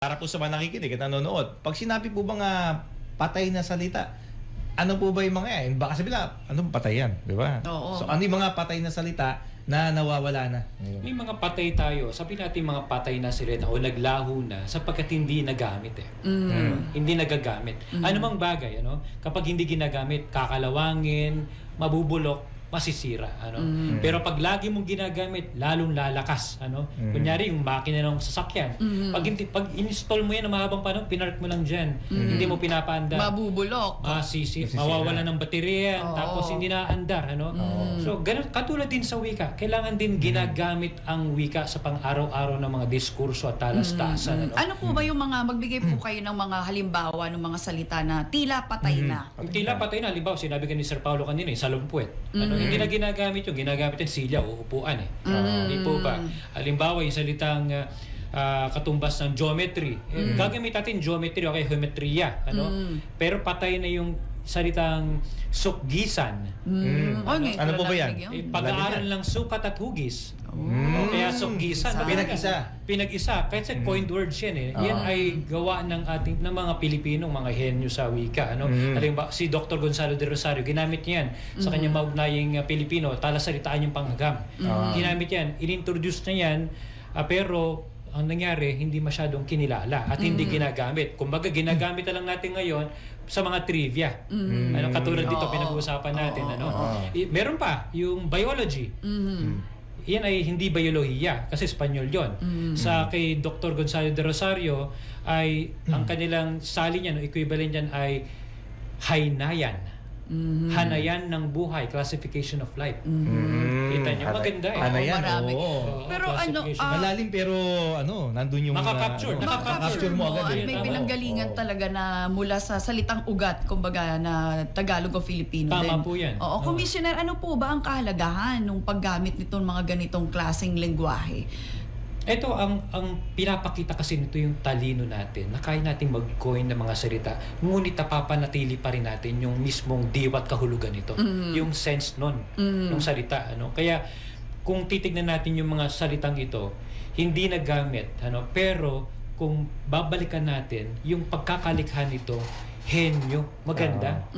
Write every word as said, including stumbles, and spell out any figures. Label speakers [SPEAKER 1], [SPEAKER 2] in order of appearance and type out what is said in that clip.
[SPEAKER 1] Para po sa mga nakikinig at nanonood, pag sinabi po bang uh, patay na salita, ano po ba yung mga yan? Baka sabihin na, anong patay yan? Di ba?
[SPEAKER 2] Oo.
[SPEAKER 1] So ano yung mga patay na salita na nawawala na?
[SPEAKER 3] May mga patay tayo, sabi natin mga patay na sila o naglaho na sapagkat hindi nagamit eh.
[SPEAKER 2] Mm.
[SPEAKER 3] Mm. Hindi nagagamit.
[SPEAKER 2] Mm.
[SPEAKER 3] Ano mang bagay, ano? Kapag hindi ginagamit, kakalawangin, mabubulok, masisira, ano.
[SPEAKER 2] Mm.
[SPEAKER 3] Pero pag lagi mong ginagamit, lalong lalakas, ano.
[SPEAKER 1] Mm.
[SPEAKER 3] Kunyari yung makina ng sasakyan,
[SPEAKER 2] Mm.
[SPEAKER 3] pag hindi pag install mo yan ng mahabang panahon, pinark mo lang diyan.
[SPEAKER 2] Mm.
[SPEAKER 3] Hindi mo pinapaanda.
[SPEAKER 2] Mabubulok.
[SPEAKER 3] Ah, sisi,
[SPEAKER 1] Masisira.
[SPEAKER 3] mawawala ng baterya,
[SPEAKER 2] Oo.
[SPEAKER 3] tapos hindi na andar, ano?
[SPEAKER 2] Mm.
[SPEAKER 3] So, ganun, katulad din sa wika, kailangan din ginagamit ang wika sa pang-araw-araw ng mga diskurso at talastasan, ano?
[SPEAKER 2] Ano po ba yung mga, magbigay po kayo ng mga halimbawa ng mga salita na tila patay na?
[SPEAKER 3] Ang tila patay na, halimbawa, sinabi ka ni Sir Paulo kanina, eh, salumpwet. Ano,
[SPEAKER 2] Mm.
[SPEAKER 3] hindi na ginagamit yung ginagamit yung silya o upuan, eh.
[SPEAKER 2] Mm.
[SPEAKER 3] Hindi po ba? Halimbawa, yung salitang uh, ah, katumbas ng geometry. Eh, gagamit natin geometry o kaya geometriya, ano?
[SPEAKER 2] Mm.
[SPEAKER 3] Pero patay na yung salitang sukgisan.
[SPEAKER 2] Mm. Oh, ngayon
[SPEAKER 1] Ano
[SPEAKER 2] ko
[SPEAKER 1] po ba
[SPEAKER 2] narinig
[SPEAKER 1] yan?
[SPEAKER 2] yun.
[SPEAKER 3] Eh, pag-aaral ng sukat at hugis.
[SPEAKER 1] Mm.
[SPEAKER 3] O kaya sukgisan.
[SPEAKER 2] Isa.
[SPEAKER 1] Pinag-isa.
[SPEAKER 3] Pinag-isa. Kahit sa coined words yan eh. Yan
[SPEAKER 2] Oo.
[SPEAKER 3] ay gawa ng ating ng mga Pilipinong mga henyo sa wika. Ano?
[SPEAKER 1] Mm.
[SPEAKER 3] Halimbawa, si Doctor Gonzalo de Rosario, ginamit niya yan sa kanyang maugnaying uh, Pilipino, talasalitaan yung panghagam.
[SPEAKER 1] Ah.
[SPEAKER 3] Ginamit yan. In-introduce na yan, ah, pero ang nangyari, hindi masyadong kinilala at hindi ginagamit. Kumbaga, ginagamit na lang natin ngayon sa mga trivia.
[SPEAKER 2] Mm.
[SPEAKER 3] Ano, katulad dito,
[SPEAKER 2] Oo.
[SPEAKER 3] pinag-uusapan natin.
[SPEAKER 2] Oo,
[SPEAKER 3] ano?
[SPEAKER 1] oo.
[SPEAKER 3] I- meron pa, yung biology.
[SPEAKER 2] Mm.
[SPEAKER 3] Yan ay hindi biolohiya kasi Espanyol yon.
[SPEAKER 2] Mm.
[SPEAKER 3] Sa kay Doctor Gonzalo de Rosario ay ang kanilang sali niyan, o equivalent niyan ay haynayan.
[SPEAKER 2] Mm.
[SPEAKER 3] Hanayan ng buhay, classification of life.
[SPEAKER 1] Mm.
[SPEAKER 3] Kita niyo,
[SPEAKER 1] Hanay-
[SPEAKER 3] maganda eh.
[SPEAKER 1] Ano
[SPEAKER 2] Oo,
[SPEAKER 1] yan?
[SPEAKER 2] marami.
[SPEAKER 1] Oo.
[SPEAKER 3] Oo,
[SPEAKER 2] Pero ano,
[SPEAKER 3] classification.
[SPEAKER 2] ah,
[SPEAKER 1] Malalim pero ano, nandun yung
[SPEAKER 3] Makaka-capture,
[SPEAKER 1] ano,
[SPEAKER 3] nakaka-capture
[SPEAKER 1] makaka-capture mo agad
[SPEAKER 2] at
[SPEAKER 1] eh.
[SPEAKER 2] may
[SPEAKER 3] Tama.
[SPEAKER 2] pinanggalingan
[SPEAKER 1] Oo.
[SPEAKER 2] talaga na mula sa salitang ugat, kumbaga na Tagalog o Filipino din.
[SPEAKER 3] Tama po yan.
[SPEAKER 2] Oo,
[SPEAKER 3] Oo.
[SPEAKER 2] Commissioner, ano po ba ang kahalagahan ng paggamit nitong mga ganitong klaseng lengguwahe?
[SPEAKER 3] Ito, ang ang pinapakita kasi nito yung talino natin na kaya nating mag-coin ng mga salita, ngunit napapanatili pa rin natin yung mismong diwat kahulugan nito.
[SPEAKER 2] Mm.
[SPEAKER 3] Yung sense nun,
[SPEAKER 2] Mm.
[SPEAKER 3] ng salita. Ano? Kaya, kung titignan natin yung mga salitang ito, hindi nagamit. Ano? Pero, kung babalikan natin, yung pagkakalikha nito, henyo, maganda.